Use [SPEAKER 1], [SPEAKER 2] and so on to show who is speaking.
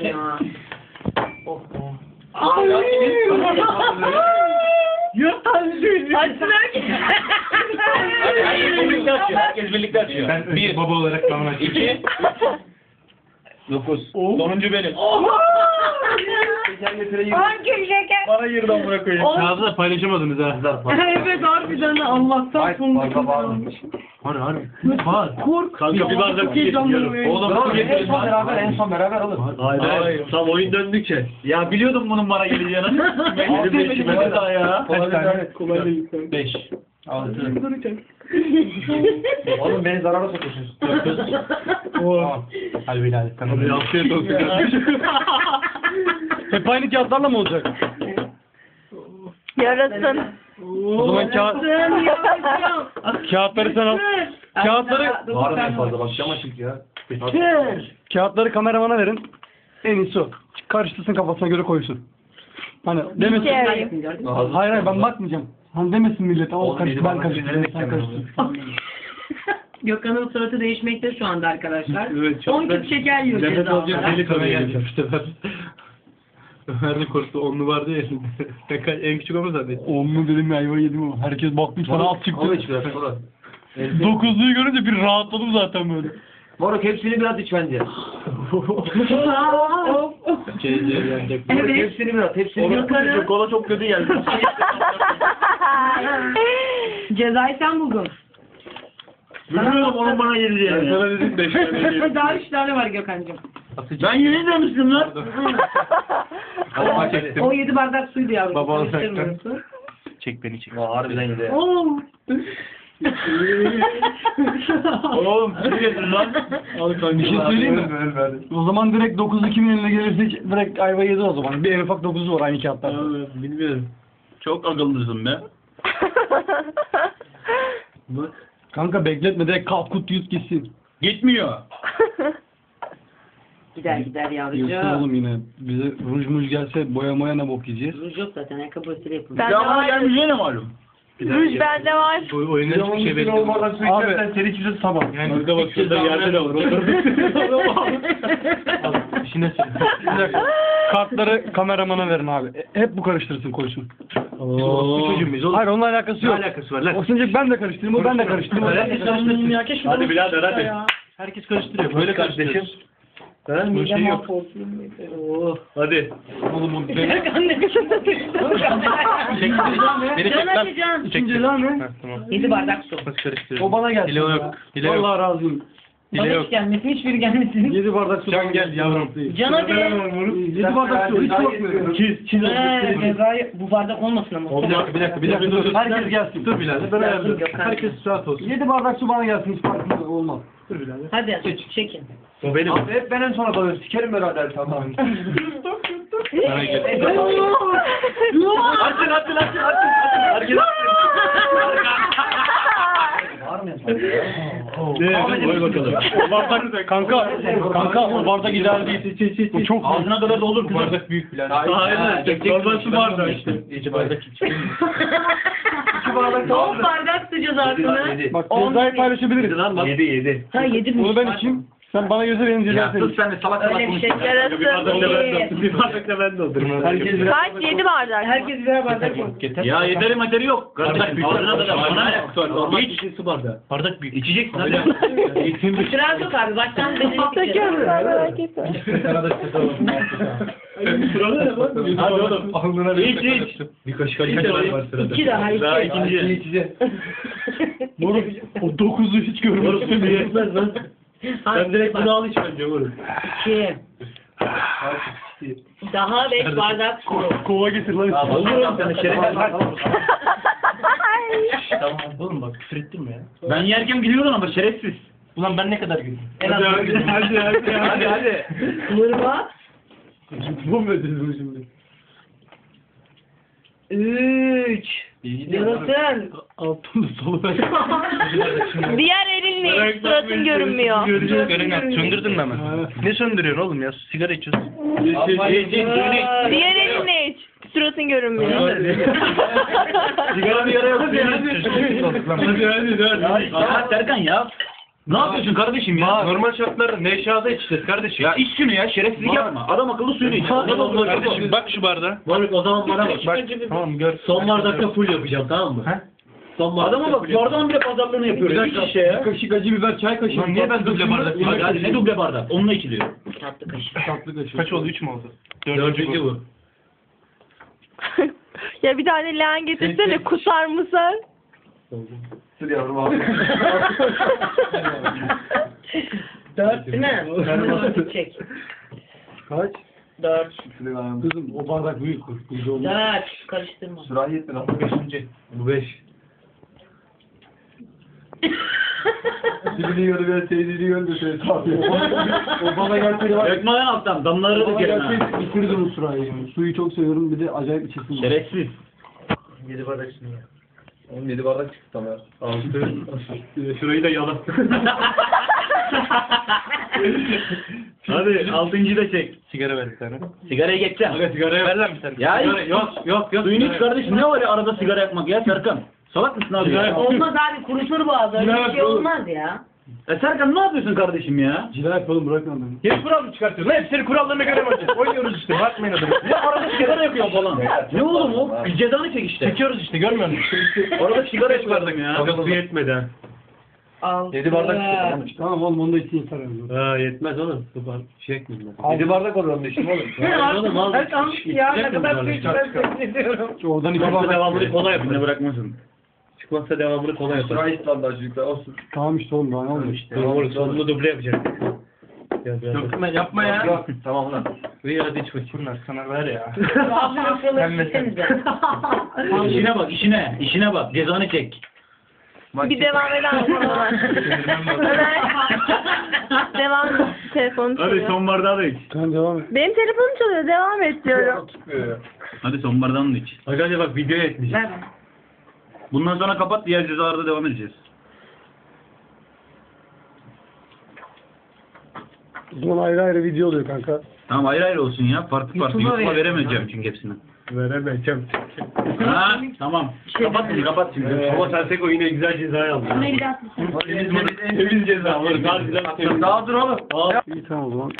[SPEAKER 1] ya. Oh oh.
[SPEAKER 2] Yurt tanesi.
[SPEAKER 1] Açsınlar ki.
[SPEAKER 3] Herkes birlikte açıyor. Herkes birlikte açıyor.
[SPEAKER 2] Ben
[SPEAKER 3] Bir,
[SPEAKER 2] baba olarak ben açıyorum.
[SPEAKER 3] 2, 9. Sonuncu benim.
[SPEAKER 1] Hangi şeker?
[SPEAKER 3] Bana girden bırakayım.
[SPEAKER 2] Ağzına paylaşamadınız ha.
[SPEAKER 1] Evet harbiden de Allah'tan sonunda.
[SPEAKER 2] Harbi. Var.
[SPEAKER 1] Kork.
[SPEAKER 3] Kanka bir bardak su getiriyorum. Oğlum su getirin lan.
[SPEAKER 4] En son beraber alır.
[SPEAKER 3] Hayır. Tam oyun döndükçe. Ya biliyordum bunun bana geleceğini. Benim beşime daha ya.
[SPEAKER 2] Kaç tane?
[SPEAKER 4] Kolay değil.
[SPEAKER 3] 5.
[SPEAKER 4] 6. Oğlum beni zarara sokuyorsunuz.
[SPEAKER 2] Hadi Bilal. Hadi afiyet olsun kardeşim. Hep aynı kağıtlarla mı olacak?
[SPEAKER 5] Yarasın.
[SPEAKER 2] O zaman kağıtları sen al. Kağıtları
[SPEAKER 4] Var mı en fazla? Bak cam açık ya.
[SPEAKER 2] kağıtları kameramana verin. En iyisi o. Karıştırsın kafasına göre koysun. Hani demesin. Hayır hayır ben bakmayacağım. Hani demesin millet. O karıştı ben karıştırdım. Sen karıştırdın.
[SPEAKER 1] Gökhan'ın suratı değişmekte şu anda arkadaşlar.
[SPEAKER 2] Evet, çok
[SPEAKER 1] 10 küp şeker yiyor
[SPEAKER 2] Nefes
[SPEAKER 1] ceza
[SPEAKER 2] alacak
[SPEAKER 1] olarak.
[SPEAKER 2] deli tabii geleceğim işte ben. Ömer de korktu. Onlu vardı ya elinde. En küçük ama zaten. Onlu dedim ya ayva yedim ama. Herkes bakmış sana alt çıktı.
[SPEAKER 4] Al iç biraz sonra.
[SPEAKER 2] 9'luyu görünce bir rahatladım zaten böyle.
[SPEAKER 4] Moruk hepsini biraz iç bence. Moruk
[SPEAKER 1] Evet.
[SPEAKER 4] hepsini biraz. Hepsini biraz.
[SPEAKER 1] Gökhan'ın
[SPEAKER 3] Kola çok kötü geldi.
[SPEAKER 1] cezayı sen buldun.
[SPEAKER 3] Bilmiyorum onun bana
[SPEAKER 2] Ben
[SPEAKER 3] geleceğini.
[SPEAKER 2] sana dedim 5 tane yedim.
[SPEAKER 1] Daha 3 tane var Gökhan'cığım.
[SPEAKER 3] Ben yeni demiştim lan.
[SPEAKER 2] Baba çektim.
[SPEAKER 1] O 7 bardak suydu yavrum.
[SPEAKER 2] Baba
[SPEAKER 1] Karıştırmıyorsun.
[SPEAKER 2] Çek beni çek.
[SPEAKER 4] Harbiden yedi.
[SPEAKER 1] Oo.
[SPEAKER 3] Oğlum su getir lan.
[SPEAKER 2] Al kanka bir şey söyleyeyim mi? O zaman direkt 9'lu kimin eline gelirse direkt ayva yedi o zaman. Bir en ufak 9'u var aynı kağıtlar.
[SPEAKER 3] Bilmiyorum. Çok akıllısın be.
[SPEAKER 2] Bak. Kanka bekletme direkt kalk kut yut gitsin.
[SPEAKER 3] Gitmiyor.
[SPEAKER 1] Gider gider
[SPEAKER 2] Yoksa
[SPEAKER 1] yavrucuğum.
[SPEAKER 2] oğlum yine bize ruj muj gelse boya moya ne bok yiyeceğiz?
[SPEAKER 1] Ruj yok zaten ayakkabısıyla yapılmış.
[SPEAKER 5] Ben
[SPEAKER 3] Ya
[SPEAKER 5] de
[SPEAKER 3] bana
[SPEAKER 5] var.
[SPEAKER 3] gelmeyeceğine malum.
[SPEAKER 5] Ruj bende var.
[SPEAKER 2] Oyunda hiçbir şey bekliyorum. Abi seni kimse sabah. Yani burada bak şurada yerde de var. İşine Bir dakika. Kartları kameramana verin abi. Hep bu karıştırsın koysun.
[SPEAKER 3] Çocuğum biz oğlum.
[SPEAKER 2] Hayır onunla alakası yok.
[SPEAKER 3] Ne alakası var lan?
[SPEAKER 2] O sence ben de karıştırayım, o ben de karıştırayım.
[SPEAKER 3] Herkes karıştırsın. Hadi birader hadi.
[SPEAKER 2] Herkes karıştırıyor. Böyle karıştırıyor.
[SPEAKER 3] Bu şey yok. Hadi.
[SPEAKER 2] Oğlum o
[SPEAKER 1] Gökhan ne biçim
[SPEAKER 2] Çek beni çek lan.
[SPEAKER 1] Can.
[SPEAKER 2] Çek. Ha, tamam.
[SPEAKER 1] 7 bardak su.
[SPEAKER 2] Nasıl karıştırıyor?
[SPEAKER 4] O bana gelsin.
[SPEAKER 2] Hile yok. Hile yok.
[SPEAKER 4] Allah razı olsun.
[SPEAKER 2] Hile
[SPEAKER 1] Bana
[SPEAKER 2] yok.
[SPEAKER 1] hiç gelmesin, hiçbiri gelmesin.
[SPEAKER 4] 7 bardak su.
[SPEAKER 2] Can gel yavrum.
[SPEAKER 1] Can hadi.
[SPEAKER 4] 7 bardak su. Hiç korkmuyorum.
[SPEAKER 1] Cezayı bu bardak olmasın ama.
[SPEAKER 2] Bir dakika dur.
[SPEAKER 4] Herkes gelsin.
[SPEAKER 2] Dur Bilal. Ben ayarlarım. Herkes rahat olsun.
[SPEAKER 4] 7 bardak su bana gelsin. Hiç farkında olmaz.
[SPEAKER 1] Hadi çekin.
[SPEAKER 3] O benim.
[SPEAKER 4] Abi hep ben en sona kalıyorum. Sikerim beraber tamam.
[SPEAKER 2] Bana gel.
[SPEAKER 3] Açın. Herkes
[SPEAKER 4] Var mı?
[SPEAKER 3] koy bakalım.
[SPEAKER 2] O bardak kanka o bardak ideal değil. Bu çok
[SPEAKER 3] Ağzına kadar doldur
[SPEAKER 2] bu
[SPEAKER 3] kızım.
[SPEAKER 2] bardak büyük Bilal.
[SPEAKER 3] Aynen. Normal su bardağı işte.
[SPEAKER 2] İki bardak iç.
[SPEAKER 4] 2 bardak
[SPEAKER 1] Son bardak su cezasını.
[SPEAKER 2] Bak cezayı paylaşabiliriz.
[SPEAKER 3] Lan bak. 7.
[SPEAKER 1] Ha 7 mi?
[SPEAKER 2] Onu ben içeyim. Sen bana göze benim
[SPEAKER 3] Ya
[SPEAKER 2] cezayı
[SPEAKER 3] sus sen de salak salak
[SPEAKER 1] Öyle bir şey.
[SPEAKER 3] konuşma.
[SPEAKER 5] Yarasın.
[SPEAKER 3] Bir bardak da ben doldurayım.
[SPEAKER 2] Herkes birer
[SPEAKER 5] Kaç? 7 bardak.
[SPEAKER 1] Herkes birer bardak koy.
[SPEAKER 3] Ya yederi materi yok. Kardeş ağzına kadar bana ne?
[SPEAKER 2] Normal
[SPEAKER 3] İç.
[SPEAKER 2] su bardağı. Bardak büyük.
[SPEAKER 3] İçeceksin hadi.
[SPEAKER 1] Sıra yok abi. Baştan denedik.
[SPEAKER 5] Merak etme.
[SPEAKER 3] Hadi oğlum.
[SPEAKER 2] Alnına
[SPEAKER 3] İç.
[SPEAKER 2] Bir kaşık var sırada.
[SPEAKER 1] 2 daha
[SPEAKER 3] Daha
[SPEAKER 1] 2.
[SPEAKER 3] ikinci.
[SPEAKER 2] Moruk o 9'u hiç görmedim diye.
[SPEAKER 3] Yetmez lan. Sen direkt bunu al iç bence oğlum.
[SPEAKER 1] 2. Daha 5 bardak su.
[SPEAKER 2] Kova getir lan.
[SPEAKER 3] Olur lan sana şeref.
[SPEAKER 2] Tamam oğlum bak küfür ettin mi ya?
[SPEAKER 3] Ben yerken biliyordun ama şerefsiz.
[SPEAKER 2] Ulan ben ne kadar güldüm.
[SPEAKER 1] En az
[SPEAKER 3] Hadi.
[SPEAKER 1] Mırma.
[SPEAKER 2] Bu mu ödedin bunu şimdi?
[SPEAKER 1] 3. Yarasın.
[SPEAKER 2] Altında solu ben.
[SPEAKER 5] Diğer elinle iç, suratın görünmüyor.
[SPEAKER 2] Söndürdün mü hemen? Ne söndürüyorsun oğlum ya? Sigara içiyorsun.
[SPEAKER 5] Diğer elinle iç, suratın görünmüyor.
[SPEAKER 3] Sigara bir yara yok. Hadi. Serkan ya. Ne yapıyorsun kardeşim ya?
[SPEAKER 6] Normal şartlarda Nevşehir'de içeceğiz kardeşim.
[SPEAKER 3] Ya iç şunu ya, şerefsizlik yapma. Adam akıllı suyunu iç.
[SPEAKER 6] Kardeşim bak şu bardağa.
[SPEAKER 3] Moruk o zaman bana bak.
[SPEAKER 6] Tamam gör.
[SPEAKER 3] Son bardakta full yapacağım, tamam mı? Adama bak, bardağın bile pazarlığını yapıyor. Bir şişe ya.
[SPEAKER 2] Kaşık acı biber, çay kaşığı.
[SPEAKER 3] Lan niye ben duble bardak? Hadi ne duble bardak? Onunla içiliyor.
[SPEAKER 1] Tatlı kaşık.
[SPEAKER 2] Tatlı kaşık.
[SPEAKER 6] Kaç oldu? 3 mü oldu?
[SPEAKER 3] Dördüncü bu.
[SPEAKER 5] Ya bir tane leğen getirsene kusar mısın?
[SPEAKER 4] Sır yavrum abi.
[SPEAKER 1] 4 değil mi? 4 çek.
[SPEAKER 2] Kaç?
[SPEAKER 1] 4.
[SPEAKER 2] Kızım o bardak büyük. Bizde olmaz.
[SPEAKER 1] 4. Karıştırma.
[SPEAKER 4] Sürahi etme lan.
[SPEAKER 3] Bu 5.
[SPEAKER 4] Dibini yiyordu ben teyzeni yiyordu şey tabii. O bana gelseydi var.
[SPEAKER 3] Dökme lan alttan, damlaları da
[SPEAKER 2] Bana
[SPEAKER 3] gelin ha.
[SPEAKER 2] gelseydi bitirirdim o sırayı. Yani. Suyu çok seviyorum, bir de acayip içesim var.
[SPEAKER 3] Şerefsiz.
[SPEAKER 4] 7 bardak şimdi ya. Oğlum 7 bardak çıktı tam ya.
[SPEAKER 3] 6. Şurayı da yalan. Hadi 6. da çek.
[SPEAKER 6] Sigara ver bir tane.
[SPEAKER 3] Sigaraya geçeceğim.
[SPEAKER 6] Aga sigaraya ver lan bir tane.
[SPEAKER 3] Ya
[SPEAKER 6] Sigara,
[SPEAKER 3] hiç-
[SPEAKER 6] yok.
[SPEAKER 3] Suyunu iç kardeşim, ne var ya arada sigara yakmak ya Serkan? Salak mısın abi ya?
[SPEAKER 1] Olmaz abi, kuruşur boğazı. Öyle bir şey olmaz ya.
[SPEAKER 3] Serkan ne yapıyorsun kardeşim ya?
[SPEAKER 2] Cila yapalım, bırakın adamı.
[SPEAKER 6] Yeni kural mı çıkartıyorsun? Lan hepsini kurallarına göre mi oynayacağız? Oynuyoruz işte. Bakmayın adamı.
[SPEAKER 3] Ya arada sigara yakıyor falan. Ne oğlum o? Bir cezanı çek işte.
[SPEAKER 6] Çekiyoruz işte görmüyor musun?
[SPEAKER 3] Arada sigara yakıyordum ya.
[SPEAKER 6] Aga su yetmedi ha.
[SPEAKER 1] 6.
[SPEAKER 4] 7 bardak çıktı.
[SPEAKER 2] Tamam oğlum, onu da için yeter yani.
[SPEAKER 6] Ha yetmez oğlum. Su var. Şey ekmedim ben.
[SPEAKER 4] 7 bardak olur onun için oğlum.
[SPEAKER 6] Oğlum al.
[SPEAKER 1] Ya ne kadar büyük ben ediyorum.
[SPEAKER 2] Oradan iki
[SPEAKER 3] Çıkmazsa
[SPEAKER 2] bardak.
[SPEAKER 3] devamını kola yapın, ne bırakmasın.
[SPEAKER 6] Çıkmazsa devamını kolay yapar.
[SPEAKER 4] Sürahi et lan daha çocuklar olsun.
[SPEAKER 2] Tamam işte oğlum, daha ne oldu?
[SPEAKER 6] Doğru sonunu duble yapacak. Dökme yapma ya.
[SPEAKER 4] Yok tamam lan.
[SPEAKER 6] İyi hadi iç bakayım. Bunlar sana ver ya.
[SPEAKER 1] Abi yoksalar gitsenize.
[SPEAKER 3] İşine bak, işine. İşine bak, cezanı çek.
[SPEAKER 5] Bir devam eder misin Ömer? Ömer. Devam et. Telefonum
[SPEAKER 3] Hadi
[SPEAKER 5] çalıyor.
[SPEAKER 3] son bardağı da iç.
[SPEAKER 2] Tamam devam et.
[SPEAKER 5] Benim telefonum çalıyor. Devam et diyorum.
[SPEAKER 3] Hadi son bardağını da iç.
[SPEAKER 6] Aga bak videoya etmiş.
[SPEAKER 1] Ver bana.
[SPEAKER 3] Bundan sonra kapat, diğer cezalarda devam edeceğiz.
[SPEAKER 2] O zaman ayrı ayrı video oluyor kanka.
[SPEAKER 3] Tamam ayrı ayrı olsun ya. Farklı farklı.
[SPEAKER 1] YouTube'a
[SPEAKER 3] YouTube'a
[SPEAKER 1] verelim.
[SPEAKER 3] veremeyeceğim çünkü hepsini.
[SPEAKER 6] Veremeyeceğim.
[SPEAKER 3] Ha tamam. Kapat şimdi, kapat şimdi.
[SPEAKER 6] Ama Senseko yine güzel cezayı aldı.
[SPEAKER 1] Bunu bir daha tutsun.
[SPEAKER 6] Temiz ceza. Daha güzel.
[SPEAKER 4] Daha dur oğlum.
[SPEAKER 2] İyi tamam o zaman.